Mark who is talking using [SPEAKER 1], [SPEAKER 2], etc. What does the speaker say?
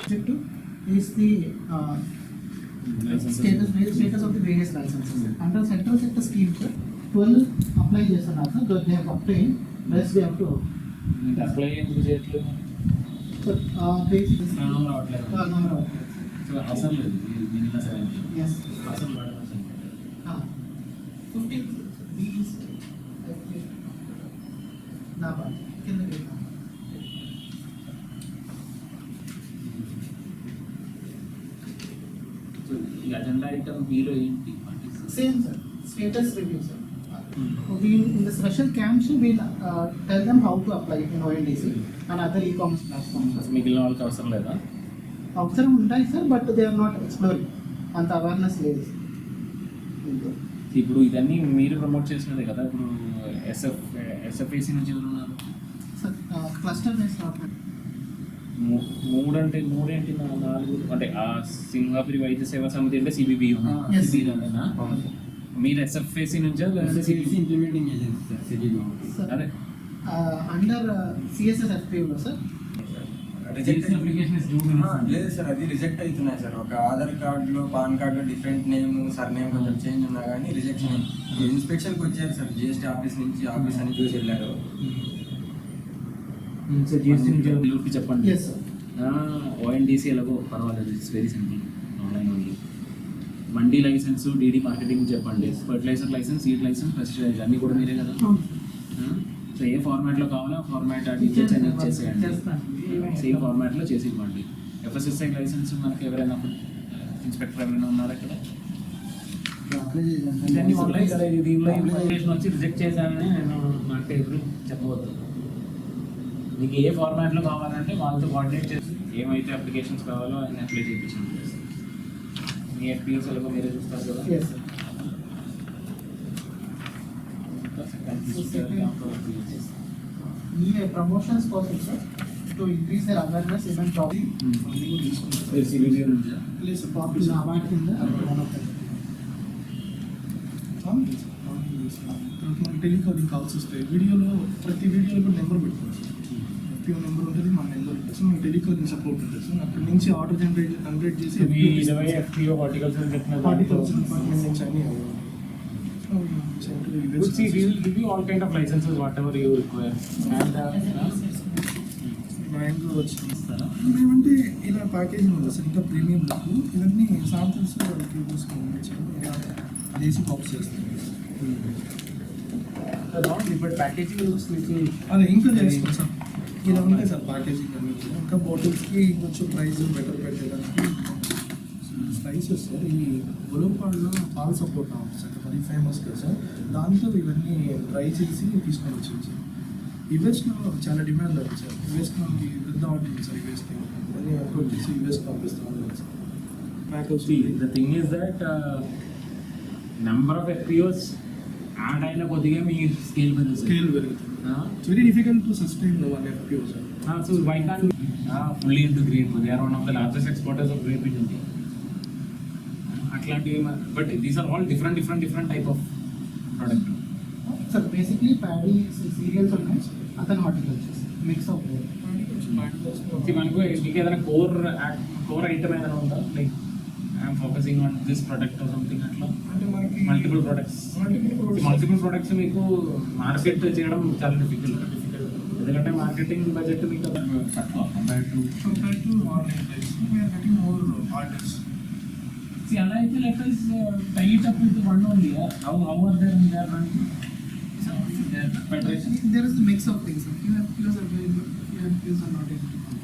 [SPEAKER 1] Objective is the status of the various licenses. Under central sector scheme, sir, 12 apply చేస్తున్నారు sir. They have obtained. Rest they have to
[SPEAKER 2] apply ఎందుకు చేయట్లేదు?
[SPEAKER 1] sir basic
[SPEAKER 2] number అవట్లేదు.
[SPEAKER 1] number of
[SPEAKER 2] so అవసరం లేదు minimum 70.
[SPEAKER 1] yes
[SPEAKER 2] అవసరం పడదు.
[SPEAKER 1] 15 these నా బాధ కింద
[SPEAKER 2] సో ఈ అజెండా ఐటమ్ బిలో ఏంటి?
[SPEAKER 1] same sir, status review sir. We in the special camps we'll tell them how to apply in ONDC and other e-commerce platforms.
[SPEAKER 2] అసలు మిగిలిన వాళ్ళకి అవసరం లేదా?
[SPEAKER 1] అవసరం ఉంటాయి sir, but they are not exploring, అంత awareness లేదు.
[SPEAKER 2] ఇప్పుడు ఇదన్నీ మీరు ప్రమోట్ చేసినదే కదా. ఇప్పుడు ఎస్ఎఫ్ఏసి నుంచి ఎవరు ఉన్నారు?
[SPEAKER 1] సార్ క్లస్టర్ బేస్డ్
[SPEAKER 2] మూడేంటి 4 అంటే ఆ సింహాపురి వైద్య సేవా సమితి అంటే సిబిబి మీరు ఎస్ఎఫ్ఏసి నుంచా
[SPEAKER 3] ఇంప్లిమెంటింగ్ ఏజెన్సీ
[SPEAKER 2] అదే
[SPEAKER 1] అండర్ సిఎస్ఎస్ ఎఫ్పిఓలో సార్.
[SPEAKER 3] లేదు సార్, అది రిజెక్ట్ అవుతున్నాయి సార్. ఒక ఆధార్ కార్డులో పాన్ కార్డులో డిఫరెంట్ నేమ్ సర్ నేమ్ కొంచెం చేంజ్ ఉన్నా కానీ రిజెక్షన్. ఇన్స్పెక్షన్కి వచ్చారు సార్, జిఎస్టీ ఆఫీస్ నుంచి ఆఫీస్ అని చూసి వెళ్ళారు.
[SPEAKER 2] చెప్పండి.
[SPEAKER 1] Yes sir.
[SPEAKER 2] ఓఎన్డీసీ ఎలాగో పర్వాలేదు, it's very simple, online only. Mandi licence, DD marketing చెప్పండి, fertiliser licence, seed licence, pesticide అన్నీ కూడా మీరే కదా. సో ఏ ఫార్మాట్లో కావాలో ఆ ఫార్మాట్ అడిగేసి చేసేయండి, సేమ్ ఫార్మాట్లో చేసి ఇవ్వండి. ఎఫ్ఎస్ఎస్ఐ లైసెన్స్ మనకి ఎవరైనా ఇన్స్పెక్టర్ ఎవరైనా ఉన్నారా ఇక్కడ? ఇవన్నీ ఉన్నాయి కదా. దీనిలో ఇన్ఫర్మేషన్ వచ్చి రిజెక్ట్ చేశానని నేను అంటే ఎదురు చెప్పవద్దు. మీకు ఏ ఫార్మాట్లో కావాలంటే వాళ్ళతో కోఆర్డినేట్ చేసి ఏమైతే అప్లికేషన్స్ కావాలో ఆయన అప్లై చేయించండి. మీ ఎఫ్పిఎస్ ఎలాగో మీరే చూస్తారు కదా.
[SPEAKER 1] ఈ ప్రమోషన్స్ కోసం sir to increase their awareness even topic please popular award కింద వన్ ఆఫ్
[SPEAKER 4] టెలికాలింగ్ కాల్స్ వస్తాయి. వీడియోలో ప్రతి వీడియోలో నెంబర్ పెట్టుకోవచ్చు. ఎఫ్పిఓ నెంబర్ ఉంటుంది, మన నెంబర్ ఉంటుంది. సో మీకు టెలికాలింగ్ సపోర్ట్ ఉంటుంది. సో అక్కడి నుంచి ఆర్డర్ జనరేట్ చేసి
[SPEAKER 2] ఎఫ్పిఓ హార్టికల్చర్
[SPEAKER 4] హార్టికల్చర్ డిపార్ట్మెంట్ నుంచి అన్నీ
[SPEAKER 2] give you all kind of licenses whatever you require and
[SPEAKER 4] bank వచ్చిస్తారా మేమంటే ఇలా ప్యాకేజింగ్ ఉంది సార్. ఇంకా ప్రీమియం బుక్ ఇవన్నీ శాంపిల్స్ వాళ్ళకి చూసుకోవచ్చు. ఇలా దేశీ కాప్స్ చేస్తాం.
[SPEAKER 2] but packaging looks little
[SPEAKER 4] అదే ఇంకా చేస్తాం సార్. ఇలా ఉంటాయి సార్ ప్యాకేజింగ్ అన్నీ. ఇంకా బాటిల్స్కి కొంచెం ప్రైస్ బెటర్ పెట్టేదానికి స్పైసెస్ సార్. ఈ ఒలంపాడులో పాల్ సపోర్ట్ ఉంటుంది సార్, వెరీ ఫేమస్ కదా సార్. దాంతో ఇవన్నీ ట్రై చేసి తీసుకొని వచ్చింది సార్. యుఎస్లో చాలా డిమాండ్ ఉంది సార్. యుఎస్లో పెద్ద ఆర్డర్ ఉంది సార్. యుఎస్కి అన్నీ అప్రోచ్ చేసి యుఎస్కి పంపిస్తాం sir.
[SPEAKER 2] the thing is that number of FPOs add అయిన కొద్దిగా మీ స్కేల్ పెరుగుతుంది.
[SPEAKER 4] It's very difficult to sustain one FPO sir.
[SPEAKER 2] So why can't fully into grape? They are one of the largest exporters of grape in India. అట్లాంటివి but these are all different type of product
[SPEAKER 1] sir. Basically paddy cereals ఉన్నాయి, అతను హార్టికల్చర్స్ mix of
[SPEAKER 2] మనకు మీకు ఏదైనా core item ఏదైనా ఉందా? Like I'm focusing on this product or something అట్లా.
[SPEAKER 4] అంటే మనకి
[SPEAKER 2] మల్టిపుల్ ప్రొడక్ట్స్ మీకు మార్కెట్ చేయడం చాలా డిఫికల్ట్. ఎందుకంటే మార్కెటింగ్ బడ్జెట్ మీకు తక్కువ compare to
[SPEAKER 4] online price we're getting more orders.
[SPEAKER 2] అలా అయితే let us tie it up with one only. How are they in their running?
[SPEAKER 1] There is a mix of things. Few FPOs are very good, few FPOs are not able to.